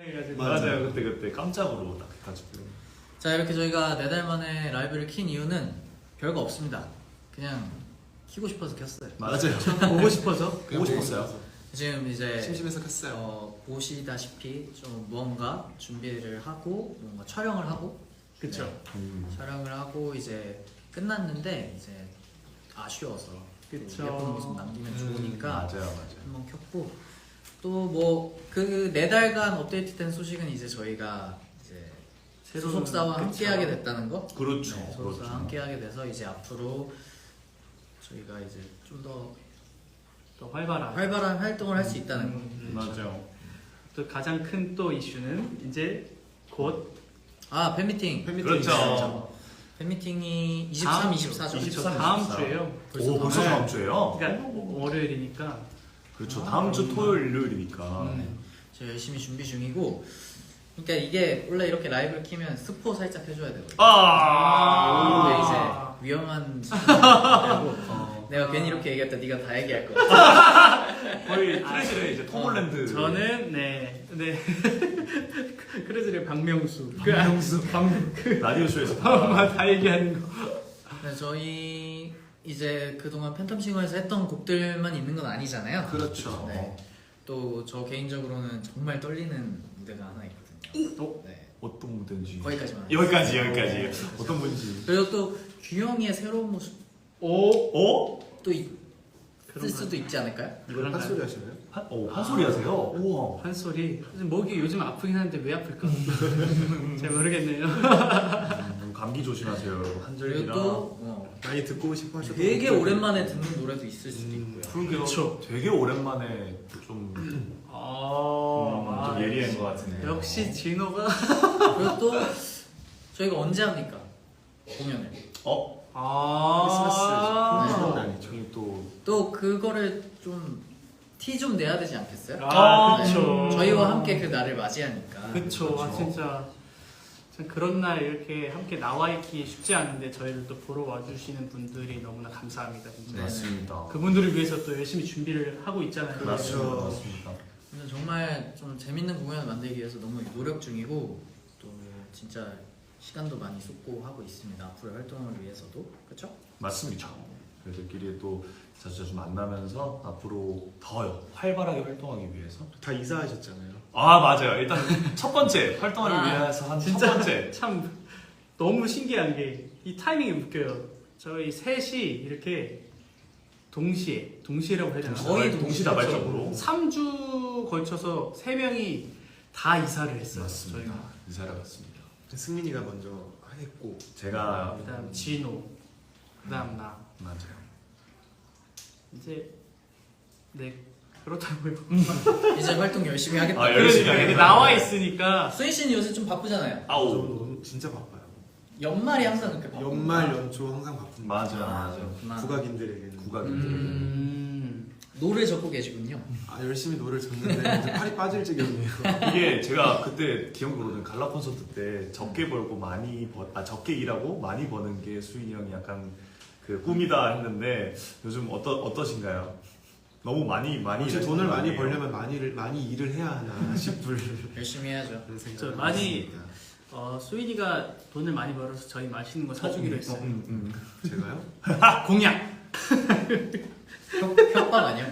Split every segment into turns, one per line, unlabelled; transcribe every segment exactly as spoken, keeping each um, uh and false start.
맞아요. 그때 그때 깜짝으로 딱 해가지고.
자, 이렇게 저희가 네 달 만에 라이브를 킨 이유는 별거 없습니다. 그냥 키고 싶어서 켰어요.
맞아요.
보고 싶어서
보고 싶었어요.
지금 이제
심심해서 켰어요.
어, 보시다시피 좀 무언가 준비를 하고 뭔가 촬영을 하고
그쵸.
네,
음.
촬영을 하고 이제 끝났는데 이제 아쉬워서
그쵸.
예쁜 모습 남기면
음,
좋으니까
맞아요, 맞아요.
한번 켰고 또 뭐 그 네 달간 업데이트된 소식은 이제 저희가 이제
새로운-
소속사와
그쵸.
함께하게 됐다는 거.
그렇죠.
네, 소속사와
그렇죠.
함께하게 돼서 이제 앞으로 저희가 이제 좀 더
또 활발한.
활발한 활동을 할 수 있다는 거.
음,
맞아요.
또 가장 큰 또 이슈는 이제 곧
아 팬미팅.
팬미팅
그렇죠.
있어요.
팬미팅이 이십삼,
다음
이십사죠.
주,
이십삼,
다음
이십사.
주에요.
오, 벌써 다음 주에요?
그러니까 월요일이니까.
그렇죠.
아,
다음 주
음.
토요일, 일요일이니까.
음.
저 열심히 준비 중이고. 그러니까 이게 원래 이렇게 라이브를 키면 스포 살짝 해줘야 되거든요.
아.
근데
아.
이제 위험한 짓이라고
어.
내가 괜히 이렇게 얘기했다 네가 다 얘기할 것 같아.
거의 트레지를 이제 토몰랜드.
저는 네, 네. 크레즈의 박명수. 박명수. 박, 그,
라디오 쇼에서
다 얘기하는 거.
네, 저희 이제 그동안 팬텀싱어에서 했던 곡들만 있는 건 아니잖아요.
그렇죠.
네. 또 저 개인적으로는 정말 떨리는 무대가 하나 있거든요.
또?
네.
어떤 무대인지.
거기까지만.
여기까지 여기까지. 어떤 분인지.
그리고 또 규영이의 새로운 모습
오.
어?
또 있을
그런
수도 있지 않을까요?
이거랑
한 소리 하시나요?
한, 어, 한 소리 하세요? 우와.
한 소리. 목이 요즘 아프긴 한데 왜 아플까? 잘 모르겠네요.
음, 감기 조심하세요, 여러분.
그리고
한절기랑.
또 어,
많이 듣고 싶어 하셔서
되게 오랜만에 듣는 노래도 있을 수도
음,
있고요.
그러게요.
그쵸.
되게 오랜만에 좀, 음,
아,
좀 예리한 것 같은데.
역시 진호가.
그리고 또 저희가 언제 합니까? 공연을.
어?
아,
크리스마스
네.
아니죠.
저희 또
또 그거를 좀 티 좀 내야 되지 않겠어요?
아,
네.
그쵸.
저희와 함께 그 날을 맞이하니까.
그쵸. 아,
그쵸.
진짜. 참 그런 날 이렇게 함께 나와 있기 쉽지 않은데 저희를 또 보러 와주시는 분들이 너무나 감사합니다. 진짜.
네.
맞습니다.
그분들을 위해서 또 열심히 준비를 하고 있잖아요.
맞습니다.
그렇죠.
맞습니다.
근데 정말 좀 재밌는 공연을 만들기 위해서 너무 노력 중이고 또 진짜 시간도 많이 쏟고 하고 있습니다. 앞으로의 활동을 위해서도. 그렇죠?
맞습니다. 저희들끼리 또 자주자주 만나면서 앞으로 더 활발하게 활동하기 위해서.
다 이사하셨잖아요.
아, 맞아요. 일단 첫 번째 활동하기
아,
위해서 한 첫
진짜
번째.
참 너무 신기한 게 이 타이밍이 웃겨요. 저희 셋이 이렇게 동시에 동시에라고 해야 되나?
거의
동시다발적으로.
삼 주 걸쳐서 세 명이 다 이사를 했어요.
맞습니다.
저희가.
이사를 갔습니다.
승민이가 먼저 했고
제가
그다음 진호, 그다음 나.
맞아요.
이제 네 그렇다고요.
이제 활동 열심히 하겠다.
아, 열심히
그러니까 이게
하겠다.
나와 있으니까
수인 씨는 요새 좀 바쁘잖아요.
저
아우.
너무 진짜 바빠요.
연말이 항상 그렇게 바쁘.
연말 연초 항상 바쁩니다.
맞아요. 맞아요.
그렇구나.
국악인들에게는
국악인들.
음.
노래 적고 계시군요.
아 열심히 노래를 줬는데 이제 팔이 빠질 지경이에요.
이게 제가 그때 기억으로는 갈라 콘서트 때 적게 벌고 많이 버, 아 적게 일하고 많이 버는 게 수인이 형이 약간 그 꿈이다 했는데 요즘 어떠 어떠신가요? 너무 많이 많이
혹시
일하시는
돈을
거
많이
아니에요?
벌려면 많이 일, 많이 일을 해야 하나 싶을
열심히 해야죠.
그런 생각을
저 많이
했습니다.
어, 수인이가 돈을 많이 벌어서 저희 맛있는 거 사주기로
어,
했어요.
음, 음.
제가요?
공약.
협, 협박 아니야?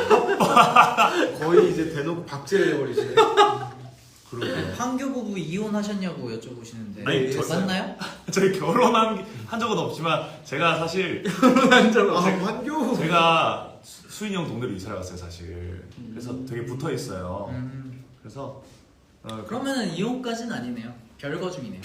뭐야?
거의 이제 대놓고 박제해 버리시네.
그러게요.
황교 부부 이혼하셨냐고 여쭤보시는데
아니, 저-
맞나요?
저희 결혼한 게- 한 적은 없지만 제가 사실
아 환교.
제가 수- 수인이 형 동네로 이사를 갔어요 사실. 그래서 되게 붙어 있어요.
음,
그래서 어,
그러면은 이혼까지는 아니네요. 별거 중이네요.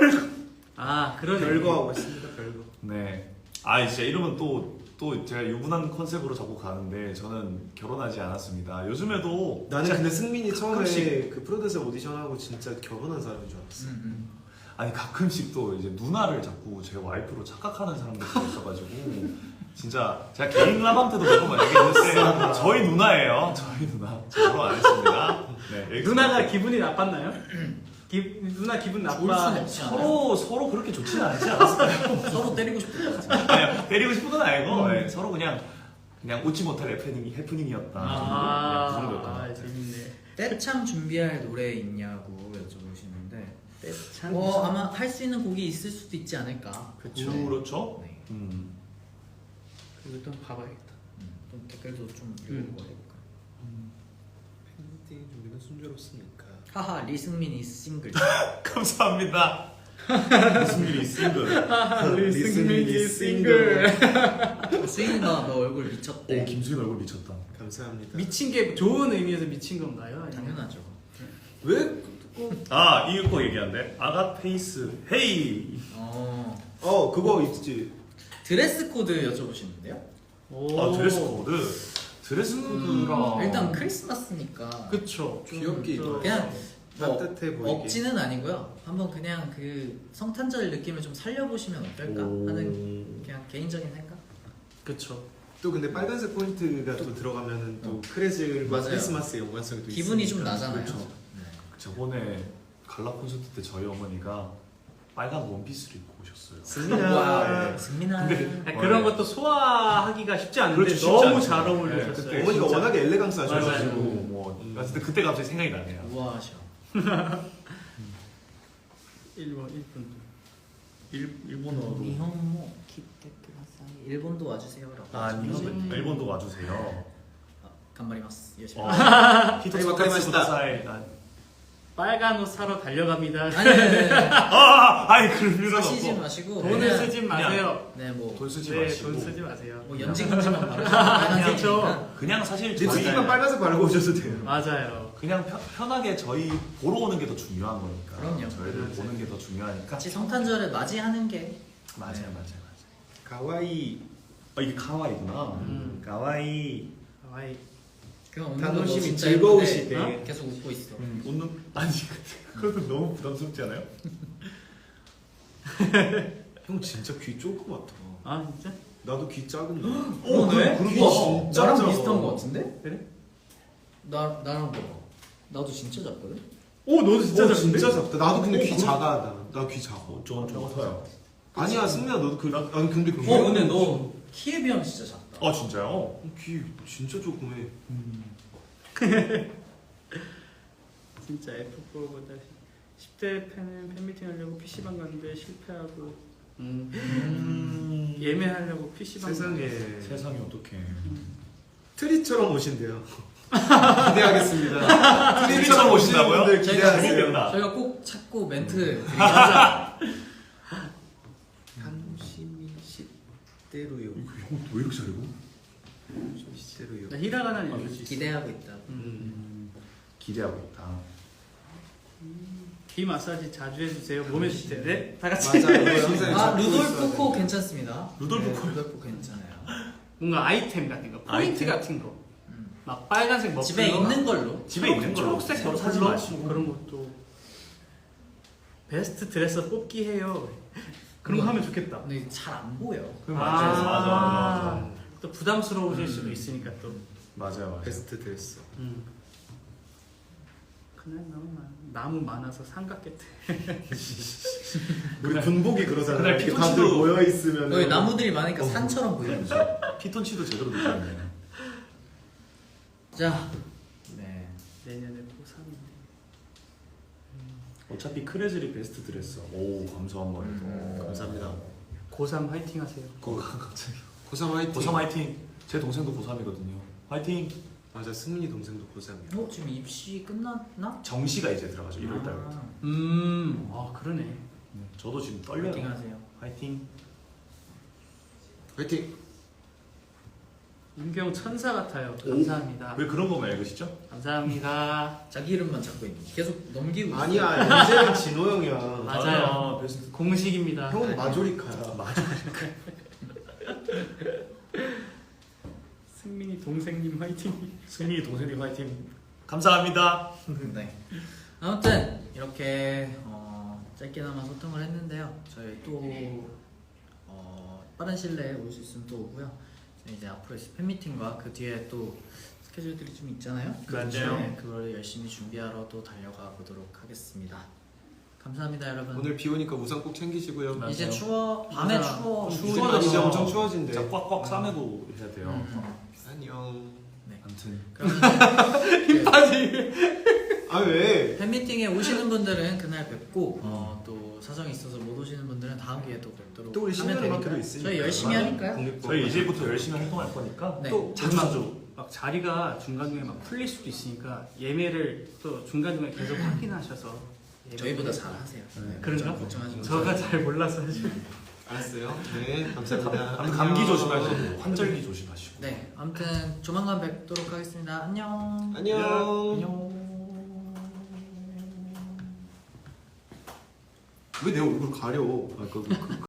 아 그러네.
별거하고 있습니다. 별거.
네. 아 진짜 이러면 또 또 제가 유부남 컨셉으로 자꾸 가는데 저는 결혼하지 않았습니다. 요즘에도
나는 근데 승민이 처음에
가끔씩-
그 프로듀서 오디션하고 진짜 결혼한 사람인 줄 알았어.
음, 음.
아니 가끔씩 또 이제 누나를 자꾸 제 와이프로 착각하는 사람들이 있어가지고 진짜 제가 개인 라방 때도 몇 번 얘기했는데 저희 누나예요. 저희 누나. 저 결혼 안 했습니다. 네, 여기까지.
누나가 기분이 나빴나요? 기, 누나 기분
좋을 순
나빠.
없지 않아요?
서로 서로 그렇게 좋지는 않지 않았을까요?
서로 때리고 싶을 것 같아요.
아니, 때리고 싶은 건 아니고 네, 서로 그냥 그냥 웃지 못할 해프닝 해프닝이었다.
아,
그냥 그 정도였던 것
아
같아요.
재밌네.
떼창 준비할 노래 있냐고 여쭤보시는데
떼창.
어 아마 할 수 있는 곡이 있을 수도 있지 않을까.
그쵸.
그렇죠.
네.
음.
그리고 또 봐봐야겠다.
음, 좀 댓글도 좀
음.
읽어보고 해볼까.
팬미팅 준비는 순조롭습니까?
하하 리승민이 싱글.
감사합니다. 무슨 일이 싱글.
리승민이 싱글.
수인아 너 얼굴
오
미쳤대.
김수인 얼굴 미쳤다.
감사합니다.
미친 게 좋은 의미에서 미친 건가요? 아니면-
당연하죠.
왜?
아 이거 얘기한대. 아가페이스 헤이.
어
어 그거 있지.
드레스 코드 여쭤보시는데요.
오.
아 드레스 코드. 드레스 코드랑
음, 일단 크리스마스니까
그쵸.
좀
귀엽게
좀
입어요.
그냥 뭐
따뜻해 보이게.
억지는 아니고요. 한번 그냥 그 성탄절 느낌을 좀 살려보시면 어떨까 하는 그냥 개인적인 생각.
그쵸.
또 근데 빨간색 포인트가 또 들어가면은 또
어.
크레즐과
맞아요.
크리스마스의 연관성이 또
기분이
있으니까.
좀 나잖아요.
그렇죠.
네.
저번에 갈라 콘서트 때 저희 어머니가 빨간 원피스를 입고 오셨어요.
승민아.
와, 승민아.
근데-
아니,
어,
그런
네.
것도 소화하기가 쉽지 않은데
그렇죠, 쉽지
너무
않죠.
잘
네,
어울리셨어요.
그때
어머니가
진짜-
워낙에 엘레강스 하셔가지고.
그래가지고 뭐
음.
어쨌든 그때 갑자기 생각이 나네요.
우아하셔.
일본 일본.
일 일본어로.
니혼모 키테쿠다사이. 일본도 와주세요라고.
아
하셨는데.
일본 일본도 와주세요.
아, 간마리마스 열심히.
어.
아이고, 감사합니다.
사이.
빨간 옷 사러 달려갑니다.
아니 아니 아니. 아니.
아 아니 그럴 필요는
사시지
없고.
마시고
돈을
그냥-
쓰지 마세요.
네 뭐.
돈 쓰지
네,
마시고.
돈 쓰지 마세요.
뭐 연지금지만 바르시면
그렇죠.
그냥 사실
립스틱만
저희
빨간색 바르고 오셔도 돼요.
맞아요.
그냥 편, 편하게 저희 보러 오는 게 더 중요한 거니까.
그럼요.
저희를
맞아요.
보는 게 더 중요하니까.
같이 성탄절을 맞이하는 게
맞아요,
네.
맞아요, 맞아요.
가와이.
아 이게 가와이구나.
음.
가와이.
아이
그냥 웃는
단호심이
거 진짜
즐거우시대.
예쁜데 계속 웃고 있어.
음, 웃는 아니 그것도 너무 부담스럽지 않아요?
형 진짜 귀 조그맣다.
아 진짜?
나도 귀 작은데.
어, 네?
귀
우와,
진짜
나랑
작아.
비슷한 거 같은데?
그래?
나 나랑 봐봐. 나도 진짜 작거든.
오 너도 진짜
어,
작은데?
진짜 작다. 나도 근데
어,
귀
그럼-
작아. 나 귀 작아.
어, 저건 좀 커요.
아니야 승민아 너도 그 아니 근데 그
어 근데 너 키에 비하면 진짜 작다.
아 진짜요?
귀 진짜 조그매.
진짜 에프 포보다 십 대 팬은 팬미팅 하려고 피시방 갔는데 실패하고 음.
음.
예매하려고 피시방
세상에
세상에 어떡해.
트리처럼 오신대요. 기대하겠습니다.
트리처럼 오신다고요?
분들
저희가
기대하세요.
재밌겠다.
저희가 꼭 찾고 멘트 드리겠습니다.
맞아.
한심이 십대로요.
이거 형 왜 이렇게 잘해?
십대로요.
나 히라가나는 읽을 수 있어.
기대하고 있다.
음.
기대하고 있다.
귀 마사지 자주 해주세요. 몸에 좋대. 네? 다 같이.
맞아요. 이거 영상에
아
잡고 있어야
루돌프
돼.
코 괜찮습니다.
루돌프
네,
코.
루돌프 괜찮아요.
뭔가 아이템 같은 거, 포인트
아이템?
같은 거.
음.
막 빨간색 머플러.
집에 있는 걸로.
집에 있는 걸로
초록색
서로
머플러
사지 마시고.
그런 것도. 베스트 드레서 뽑기 해요. 그런 거
우와.
하면 좋겠다.
근데 잘 안 보여.
그 맞아, 맞아, 맞아, 맞아.
또 부담스러우실
음.
수도 있으니까 또.
맞아요, 맞아요.
베스트 드레스.
음. 그날 너무 많아. 나무 많아서 삼각겠대.
우리 군복이 그러잖아요.
그날
이렇게
피톤치도-
다들 모여 있으면
여기 나무들이 많으니까
어.
산처럼 보여.
피톤치도 제대로 느꼈네.
자, 네.
내년에 고삼인데.
어차피 크레즐이 베스트 드레스. 오 감사한 거예요.
음,
감사합니다.
고삼 화이팅 하세요.
고 갑자기.
고삼 화이팅.
고삼 화이팅. 제 동생도 고삼이거든요. 화이팅.
맞아 승민이 동생도 고삼이야.
어 지금 입시 끝났나?
정시가 이제 들어가죠. 일월 달부터.
아,
음, 아 그러네.
저도 지금 떨려요.
파이팅 하세요.
화이팅.
화이팅.
윤경 천사 같아요. 감사합니다.
왜 그런 거만 읽으시죠?
감사합니다.
자기 이름만 잡고 있는. 계속 넘기고. 있어.
아니야 이제는 진호 형이야.
맞아요.
아, 베스트.
공식입니다.
형은 마조리카야.
맞아.
승민이 동생님 화이팅.
승민이 동생님 화이팅. 감사합니다.
네. 아무튼 이렇게 어, 짧게나마 소통을 했는데요. 저희 또 어, 빠른 시일 내에 올 수 있으면 또 오고요. 이제 앞으로 있을 팬미팅과 그 뒤에 또 스케줄들이 좀 있잖아요.
맞아요.
네, 그걸 열심히 준비하러 또 달려가 보도록 하겠습니다. 감사합니다, 여러분.
오늘 비 오니까 우산 꼭 챙기시고요.
맞아요.
이제 추워. 밤에
맞아.
추워.
추워져.
추워져.
이제 엄청 추워진대.
진짜 꽉꽉 싸매고 해야 돼요.
음.
안녕.
네.
아무튼
그러면
힘 빠지게.
아 왜?
팬미팅에 오시는 분들은 그날 뵙고 어, 또 사정이 있어서 못 오시는 분들은 다음 기회에 또 뵙도록
또 우리
하면
신년음악회도
되니까요.
있으니까.
저희 열심히
맞아요.
하니까요.
국립공원
저희 이제부터 열심히 활동할 거니까
네.
또
자주 자주
막 자리가 중간중간에 막 풀릴 수도 있으니까 예매를 또 중간중간에 계속 확인하셔서 예매를-
저희보다 잘 하세요.
네.
그런가?
걱정하지 마세요.
저가 잘 몰라서 사실.
알았어요. 네, 감사합니다.
아무튼 감기 조심하시고 환절기 조심하시고.
네, 아무튼 조만간 뵙도록 하겠습니다. 안녕.
안녕.
안녕.
왜 내 얼굴 가려? 아, 그, 그,